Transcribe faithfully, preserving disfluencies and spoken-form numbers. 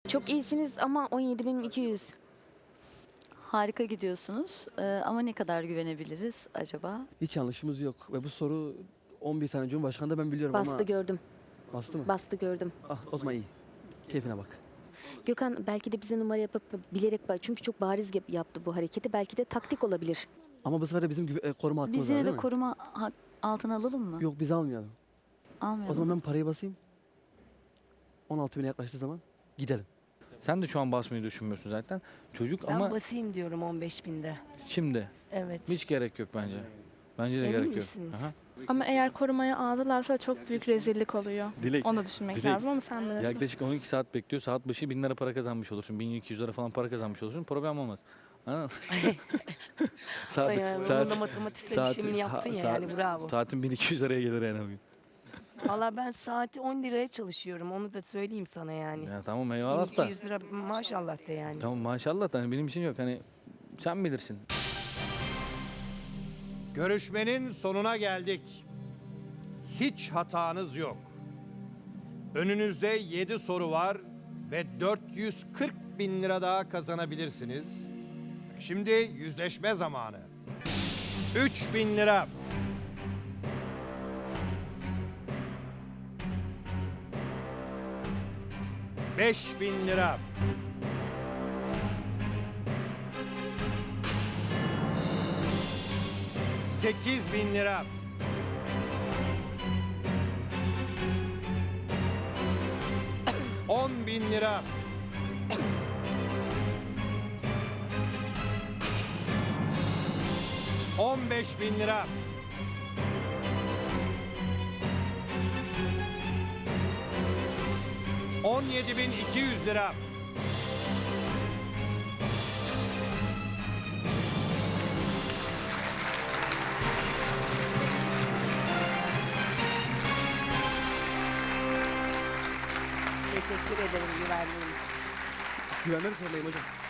Çok iyisiniz ama on yedi bin iki yüz. Harika gidiyorsunuz Ee, ama ne kadar güvenebiliriz acaba? Hiç yanlışımız yok. Ve bu soru on bir tane Cumhurbaşkanı da ben biliyorum Bastı ama... gördüm. Bastı mı? Bastı gördüm. Ah, o zaman iyi. Keyfine bak. Gökhan belki de bize numara yapıp bilerek bak. Çünkü çok bariz yap- yaptı bu hareketi. Belki de taktik olabilir. Ama bu sefer de bizim güve- e, koruma hakkımız Biz var yine değil de mi? koruma ha- altına alalım mı? Yok biz almayalım. Almayalım. O zaman ben parayı basayım. on altı bine yaklaştığı zaman gidelim. Sen de şu an basmayı düşünmüyorsun zaten. Çocuk Ben ama basayım diyorum on beş binde. şimdi Evet. hiç gerek yok bence. Bence de Emin gerek yok. misiniz? Aha. Ama eğer korumaya aldılarsa çok büyük rezillik oluyor. Dilek, Onu da düşünmek Dilek. lazım ama sen bilirsin. Yaklaşık on iki saat bekliyor. Saat başı bin lira para kazanmış olursun. bin iki yüz lira falan para kazanmış olursun. Problem olmaz. Anladın mı? saat, Bayağı saat, onun da matematiksel saat- işlemini yaptın ya saat- yani bravo. saatin bin iki yüz liraya gelir yani bugün. Valla ben saati on liraya çalışıyorum onu da söyleyeyim sana yani. Ya tamam eyvallah da. bin iki yüz lira maşallah de yani. Tamam maşallah da hani benim için yok. Hani sen bilirsin. Görüşmenin sonuna geldik. Hiç hatanız yok. Önünüzde yedi soru var ve dört yüz kırk bin lira daha kazanabilirsiniz. Şimdi yüzleşme zamanı. üç bin lira. beş bin lira. sekiz bin lira. on bin lira. on beş bin lira. on yedi bin iki yüz lira. Teşekkür ederim güvenliğiniz için. Güvenmem sormayayım hocam.